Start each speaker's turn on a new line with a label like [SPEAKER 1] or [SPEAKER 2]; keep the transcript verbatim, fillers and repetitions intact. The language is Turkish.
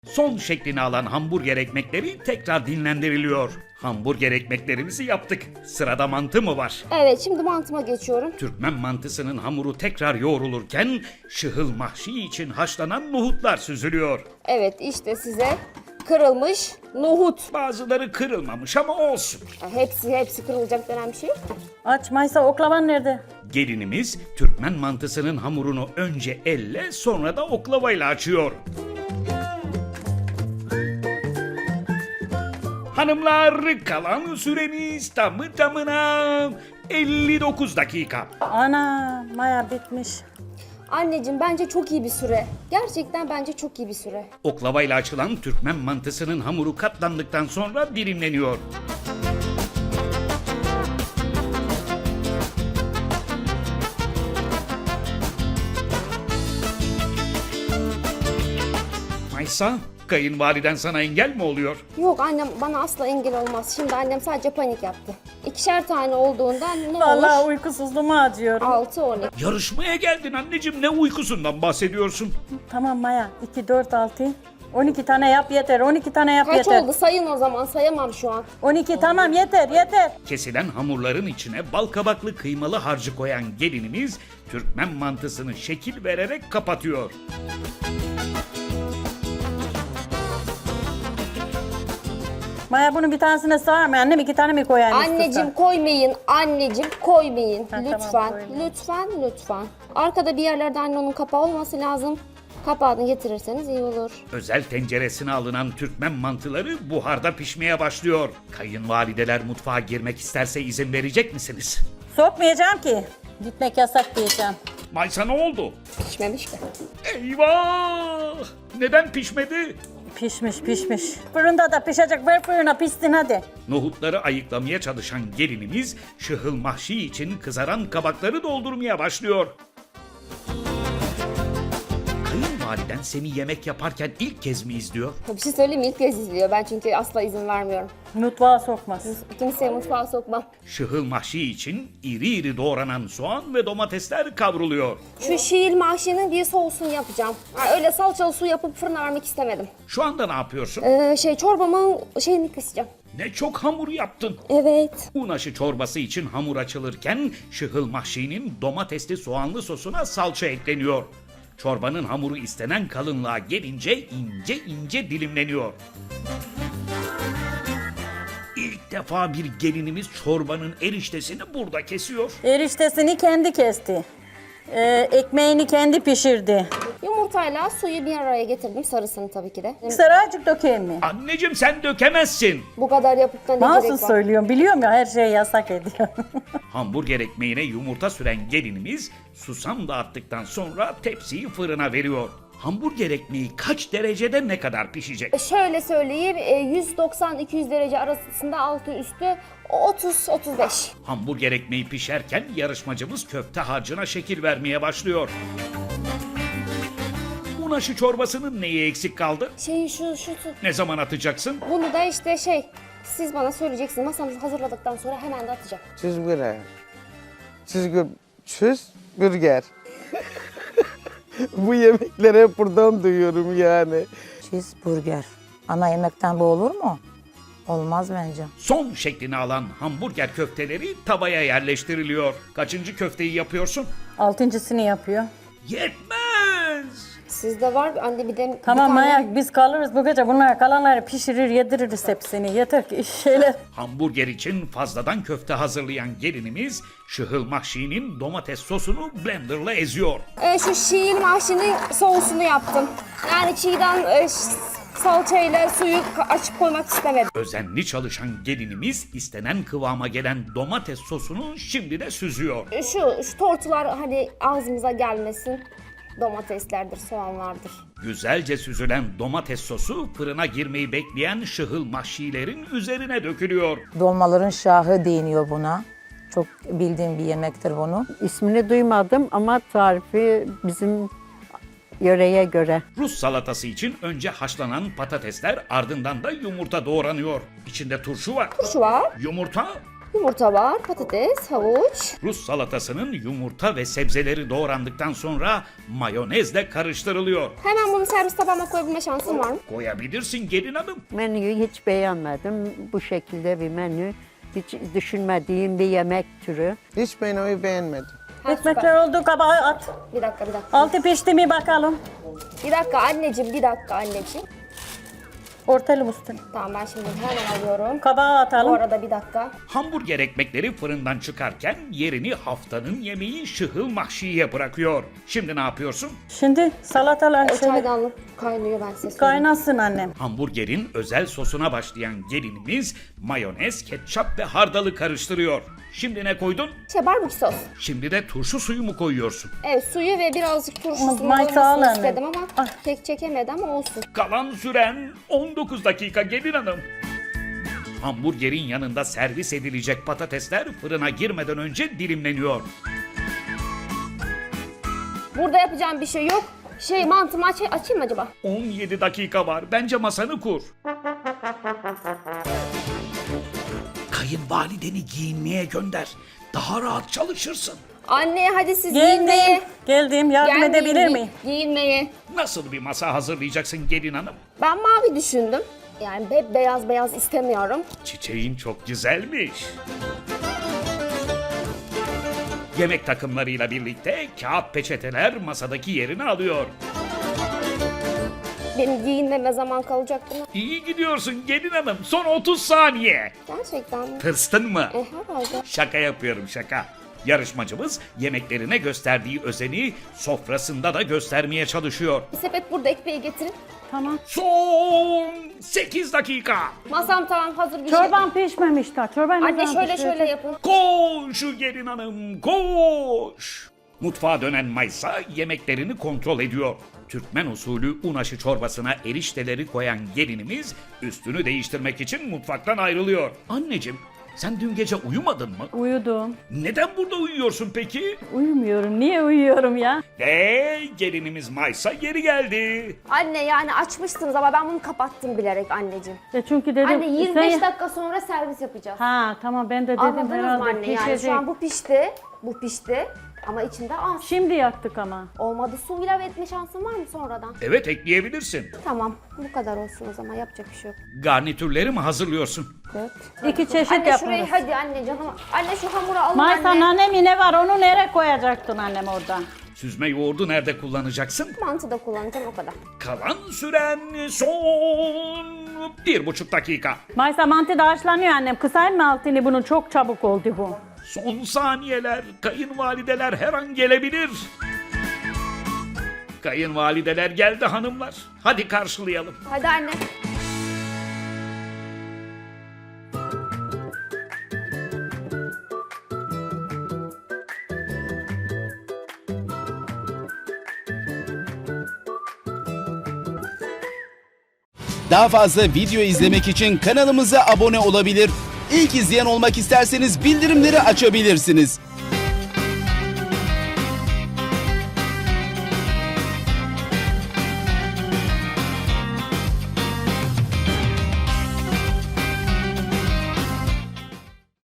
[SPEAKER 1] Son şeklini alan hamburger ekmekleri tekrar dinlendiriliyor. Hamburger ekmeklerimizi yaptık. Sırada mantı mı var?
[SPEAKER 2] Evet, şimdi mantıma geçiyorum.
[SPEAKER 1] Türkmen mantısının hamuru tekrar yoğrulurken şıhıl mahşi için haşlanan nohutlar süzülüyor.
[SPEAKER 2] Evet, işte size kırılmış nohut.
[SPEAKER 1] Bazıları kırılmamış ama olsun.
[SPEAKER 2] Hepsi hepsi kırılacak denen bir şey yok ki.
[SPEAKER 3] Aç Maysa, oklavan nerede?
[SPEAKER 1] Gelinimiz Türkmen mantısının hamurunu önce elle sonra da oklavayla açıyor. Hanımlar, kalan süreniz tamı tamına elli dokuz dakika.
[SPEAKER 3] Ana, Maya bitmiş.
[SPEAKER 2] Anneciğim, bence çok iyi bir süre. Gerçekten bence çok iyi bir süre.
[SPEAKER 1] Oklavayla açılan Türkmen mantısının hamuru katlandıktan sonra dilimleniyor. Maysa, kayınvaliden sana engel mi oluyor?
[SPEAKER 2] Yok, annem bana asla engel olmaz. Şimdi annem sadece panik yaptı. İkişer tane olduğundan ne
[SPEAKER 3] Vallahi
[SPEAKER 2] olur?
[SPEAKER 3] uykusuzluğumu acıyorum.
[SPEAKER 2] altı on iki.
[SPEAKER 1] Yarışmaya geldin anneciğim, ne uykusundan bahsediyorsun?
[SPEAKER 3] Tamam Maya, iki, dört, altı. on iki tane yap yeter, on iki tane yap
[SPEAKER 2] Kaç
[SPEAKER 3] yeter.
[SPEAKER 2] oldu? Sayın o zaman. Sayamam şu an.
[SPEAKER 3] on iki tamam yeter, yeter.
[SPEAKER 1] Kesilen hamurların içine bal kabaklı kıymalı harcı koyan gelinimiz Türkmen mantısını şekil vererek kapatıyor.
[SPEAKER 3] Maya bunun bir tanesine sığar mı? Annem iki tane mi koyayım?
[SPEAKER 2] Anneciğim
[SPEAKER 3] istiyorsan?
[SPEAKER 2] koymayın. Anneciğim koymayın.
[SPEAKER 3] Ha, tamam,
[SPEAKER 2] lütfen.
[SPEAKER 3] koymayayım.
[SPEAKER 2] lütfen. Lütfen. Arkada bir yerlerde anne onun kapağı olması lazım. Kapağını getirirseniz iyi olur.
[SPEAKER 1] Özel tenceresine alınan Türkmen mantıları buharda pişmeye başlıyor. Kayınvalideler mutfağa girmek isterse izin verecek misiniz?
[SPEAKER 3] Sokmayacağım ki. Gitmek yasak diyeceğim.
[SPEAKER 1] Maysa, ne oldu?
[SPEAKER 2] Pişmemiş ki.
[SPEAKER 1] Eyvah! Neden pişmedi?
[SPEAKER 3] Pişmiş pişmiş. Fırında da pişecek, ver fırına pişsin hadi.
[SPEAKER 1] Nohutları ayıklamaya çalışan gelinimiz şıhıl mahşi için kızaran kabakları doldurmaya başlıyor. Kayınvaliden seni yemek yaparken ilk kez mi izliyor?
[SPEAKER 2] Bir şey söyleyeyim mi? İlk kez izliyor. Ben çünkü asla izin vermiyorum.
[SPEAKER 3] Mutfağa sokmaz.
[SPEAKER 2] Kimseye mutfağa sokmam.
[SPEAKER 1] Şıhıl mahşi için iri iri doğranan soğan ve domatesler kavruluyor.
[SPEAKER 2] Şu şiir mahşinin bir soğusunu yapacağım. Ha, öyle salçalı su yapıp fırına vermek istemedim.
[SPEAKER 1] Şu anda ne yapıyorsun?
[SPEAKER 2] Ee, şey çorbamın şeyini kısacağım.
[SPEAKER 1] Ne çok hamur yaptın.
[SPEAKER 2] Evet.
[SPEAKER 1] Un aşı çorbası için hamur açılırken şıhıl mahşinin domatesli soğanlı sosuna salça ekleniyor. Çorbanın hamuru istenen kalınlığa gelince ince ince dilimleniyor. İlk defa bir gelinimiz çorbanın eriştesini burada kesiyor.
[SPEAKER 3] Eriştesini kendi kesti. Ee, ekmeğini kendi pişirdi.
[SPEAKER 2] Yumurtayla suyu bir araya getirdim. Sarısını tabii ki de.
[SPEAKER 3] Saracık dökeyim mi?
[SPEAKER 1] Anneciğim, sen dökemezsin.
[SPEAKER 2] Bu kadar yapıp da ne
[SPEAKER 3] Nasıl
[SPEAKER 2] gerek var?
[SPEAKER 3] söylüyorum? Biliyorum ya, her şeyi yasak ediyor.
[SPEAKER 1] Hamburger ekmeğine yumurta süren gelinimiz susam dağıttıktan sonra tepsiyi fırına veriyor. Hamburger ekmeği kaç derecede ne kadar pişecek?
[SPEAKER 2] E, Şöyle söyleyeyim, e, yüz doksan iki yüz derece arasında altı üstü otuz otuz beş.
[SPEAKER 1] Hamburger ekmeği pişerken yarışmacımız köfte harcına şekil vermeye başlıyor. Un aşı çorbasının neyi eksik kaldı?
[SPEAKER 2] Şey şu şu şu.
[SPEAKER 1] Ne zaman atacaksın?
[SPEAKER 2] Bunu da işte şey siz bana söyleyeceksiniz. Masamızı hazırladıktan sonra hemen de atacağım.
[SPEAKER 4] Cheeseburger. Cheeseburger. Cheeseburger. Bu yemekleri hep buradan duyuyorum yani.
[SPEAKER 5] Cheeseburger. Ana yemekten bu olur mu? Olmaz bence.
[SPEAKER 1] Son şeklini alan hamburger köfteleri tavaya yerleştiriliyor. Kaçıncı köfteyi yapıyorsun?
[SPEAKER 3] Altıncısını yapıyor.
[SPEAKER 1] Yetmez!
[SPEAKER 2] Sizde var anne bir de
[SPEAKER 3] Tamam
[SPEAKER 2] bir tane-
[SPEAKER 3] Maya, biz kalırız bu gece. Bunlar kalanları pişirir yediririz hepsini. Yeter ki şeyler.
[SPEAKER 1] Hamburger için fazladan köfte hazırlayan gelinimiz şıhıl mahşinin domates sosunu blenderla eziyor.
[SPEAKER 2] E, şu şiir mahşinin soğusunu yaptım. Yani çiğden e, ş- salçayla suyu ka- açıp koymak istemedim.
[SPEAKER 1] Özenli çalışan gelinimiz istenen kıvama gelen domates sosunu şimdi de süzüyor.
[SPEAKER 2] E, Şu, şu tortular hani ağzımıza gelmesin. Domateslerdir, soğanlardır.
[SPEAKER 1] Güzelce süzülen domates sosu fırına girmeyi bekleyen şıhıl mahşilerin üzerine dökülüyor.
[SPEAKER 5] Dolmaların şahı deniyor buna. Çok bildiğim bir yemektir bunu.
[SPEAKER 6] İsmini duymadım ama tarifi bizim yöreye göre.
[SPEAKER 1] Rus salatası için önce haşlanan patatesler, ardından da yumurta doğranıyor. İçinde turşu var.
[SPEAKER 2] Turşu var.
[SPEAKER 1] Yumurta,
[SPEAKER 2] Yumurta var, patates, havuç.
[SPEAKER 1] Rus salatasının yumurta ve sebzeleri doğrandıktan sonra mayonezle karıştırılıyor.
[SPEAKER 2] Hemen bunu servis tabağıma koyabilme şansım var mı?
[SPEAKER 1] Koyabilirsin gelin hanım.
[SPEAKER 6] Menüyü hiç beğenmedim. Bu şekilde bir menü. Hiç düşünmediğim bir yemek türü.
[SPEAKER 4] Hiç menüyü beğenmedim.
[SPEAKER 2] Ha,
[SPEAKER 3] Ekmekler oldu, kabağı at.
[SPEAKER 2] Bir dakika, bir dakika.
[SPEAKER 3] Altı pişti mi bakalım.
[SPEAKER 2] Bir dakika anneciğim, bir dakika anneciğim.
[SPEAKER 3] Ortalı üstüne.
[SPEAKER 2] Tamam ben şimdi hemen alıyorum.
[SPEAKER 3] Kabağı
[SPEAKER 2] Bu
[SPEAKER 3] atalım.
[SPEAKER 2] arada bir dakika.
[SPEAKER 1] Hamburger ekmekleri fırından çıkarken yerini haftanın yemeği şıhıl mahşiye bırakıyor. Şimdi ne yapıyorsun?
[SPEAKER 3] Şimdi salatalar
[SPEAKER 2] O
[SPEAKER 3] şöyle
[SPEAKER 2] çaydanlık kaynıyor ben size söyleyeyim.
[SPEAKER 3] kaynasın annem.
[SPEAKER 1] Hamburgerin özel sosuna başlayan gelinimiz mayonez, ketçap ve hardalı karıştırıyor. Şimdi ne koydun?
[SPEAKER 2] Şey barbekü sos.
[SPEAKER 1] Şimdi de turşu suyu mu koyuyorsun?
[SPEAKER 2] Evet suyu ve birazcık turşusunu
[SPEAKER 3] Maysa al
[SPEAKER 2] olmasını
[SPEAKER 3] anne.
[SPEAKER 2] istedim ama
[SPEAKER 3] Ah.
[SPEAKER 2] pek çekemedi ama olsun.
[SPEAKER 1] Kalan süren on dokuz dakika gelin hanım. Hamburgerin yanında servis edilecek patatesler fırına girmeden önce dilimleniyor.
[SPEAKER 2] Burada yapacağım bir şey yok. Şey mantımı aç açayım mı acaba?
[SPEAKER 1] on yedi dakika var. Bence masanı kur. Kayınvalideni giyinmeye gönder. Daha rahat çalışırsın.
[SPEAKER 2] Anne hadi siz giyinmeye.
[SPEAKER 3] Geldim. Geldim. Yardım
[SPEAKER 2] Gelmeyin,
[SPEAKER 3] edebilir
[SPEAKER 2] gi-
[SPEAKER 3] miyim?
[SPEAKER 2] Giyinmeye.
[SPEAKER 1] Nasıl bir masa hazırlayacaksın gelin hanım?
[SPEAKER 2] Ben mavi düşündüm. Yani hep beyaz beyaz istemiyorum.
[SPEAKER 1] Çiçeğin çok güzelmiş. Yemek takımlarıyla birlikte kağıt peçeteler masadaki yerini alıyor.
[SPEAKER 2] Benim giyinmeme zaman kalacaktı mı?
[SPEAKER 1] İyi gidiyorsun gelin hanım. Son otuz saniye.
[SPEAKER 2] Gerçekten mi?
[SPEAKER 1] Tırstın mı?
[SPEAKER 2] E herhalde.
[SPEAKER 1] Şaka yapıyorum şaka. Yarışmacımız yemeklerine gösterdiği özeni sofrasında da göstermeye çalışıyor.
[SPEAKER 2] Bir sepet burada ekmeği getirin.
[SPEAKER 3] Tamam.
[SPEAKER 1] Son sekiz dakika.
[SPEAKER 2] Masam tamam hazır bir şey.
[SPEAKER 3] Çorban pişmemiş daha. Çorban ne
[SPEAKER 2] Anne
[SPEAKER 3] zaman
[SPEAKER 2] şöyle
[SPEAKER 3] pişiyor?
[SPEAKER 2] şöyle yapın.
[SPEAKER 1] Koş gelin hanım koş. Mutfağa dönen Maysa yemeklerini kontrol ediyor. Türkmen usulü un aşı çorbasına erişteleri koyan gelinimiz üstünü değiştirmek için mutfaktan ayrılıyor. Anneciğim sen dün gece uyumadın mı?
[SPEAKER 3] Uyudum.
[SPEAKER 1] Neden burada uyuyorsun peki?
[SPEAKER 3] Uyumuyorum. Niye uyuyorum ya?
[SPEAKER 1] Ve gelinimiz Maysa geri geldi.
[SPEAKER 2] Anne yani açmıştınız ama ben bunu kapattım bilerek anneciğim.
[SPEAKER 3] Ya çünkü dedim.
[SPEAKER 2] Anne yirmi beş
[SPEAKER 3] sen-
[SPEAKER 2] dakika sonra servis yapacağız.
[SPEAKER 3] Ha tamam ben de dedim
[SPEAKER 2] Anladınız mı
[SPEAKER 3] herhalde
[SPEAKER 2] anne yani
[SPEAKER 3] pişecek.
[SPEAKER 2] şu an bu pişti. Bu pişti. Ama içinde az.
[SPEAKER 3] Şimdi yaktık ama.
[SPEAKER 2] Olmadı su ilave etme şansın var mı sonradan?
[SPEAKER 1] Evet ekleyebilirsin.
[SPEAKER 2] Tamam bu kadar olsun o zaman yapacak bir şey yok.
[SPEAKER 1] Garnitürleri mi hazırlıyorsun?
[SPEAKER 2] Evet.
[SPEAKER 3] İki çeşit
[SPEAKER 2] Anne şurayı
[SPEAKER 3] yaparız.
[SPEAKER 2] hadi anne canım. Anne şu hamuru alın
[SPEAKER 3] Maysa
[SPEAKER 2] anne.
[SPEAKER 3] annem ne var onu nereye koyacaktın annem orada?
[SPEAKER 1] Süzme yoğurdu nerede kullanacaksın?
[SPEAKER 2] Mantı da kullanacağım o kadar.
[SPEAKER 1] Kalan süren son bir buçuk dakika.
[SPEAKER 3] Maysa mantı da haşlanıyor annem. Kısayım mı altını bunun çok çabuk oldu bu.
[SPEAKER 1] Son saniyeler. Kayınvalideler her an gelebilir. Kayınvalideler geldi hanımlar. Hadi karşılayalım.
[SPEAKER 2] Hadi anne.
[SPEAKER 7] Daha fazla video izlemek için kanalımıza abone olabilir. İlk izleyen olmak isterseniz bildirimleri açabilirsiniz.